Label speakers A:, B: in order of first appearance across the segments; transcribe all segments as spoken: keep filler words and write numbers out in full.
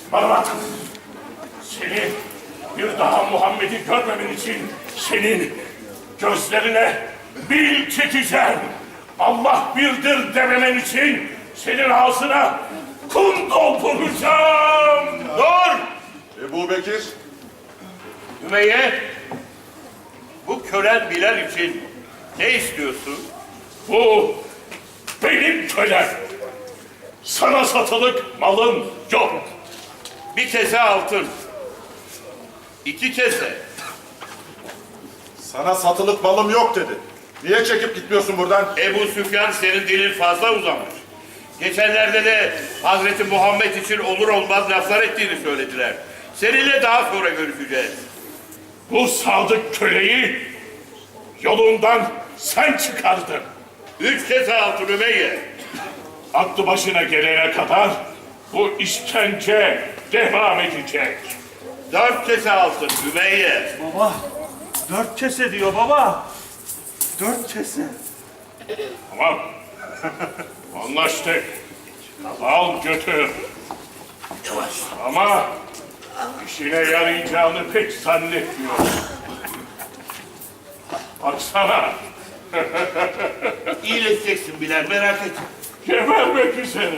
A: Bana bak. Seni bir daha Muhammed'i görmemen için senin gözlerine bil çekeceğim. Allah birdir dememen için senin ağzına kum dolduracağım.
B: Dur!
C: Ebu Bekir,
B: Ümeyye, bu kölen Bilal için ne istiyorsun?
A: Bu benim kölem. Sana satılık malım yok.
B: Bir kese altın, iki kese.
C: sana satılık malım yok dedi. Niye çekip gitmiyorsun buradan?
B: Ebu Süfyan senin dilin fazla uzamış. Geçenlerde de Hazreti Muhammed için olur olmaz laflar ettiğini söylediler. Seninle daha sonra görüşeceğiz.
A: Bu sadık köleyi yolundan sen çıkardın.
B: Üç kese altın Ümeyye.
A: Aklı başına gelene kadar bu işkence devam edecek.
B: Dört kese altın Ümeyye.
D: Baba, dört kese diyor baba. Dört kese.
A: Tamam. Anlaştık. Al götür. Ama işine yarayacağını pek zannetmiyorum. Baksana.
B: İyileşeceksin Bilal, merak etme.
A: Gebermek üzere.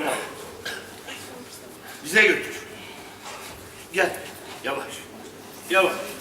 B: Bize götür. Gel, yavaş, yavaş.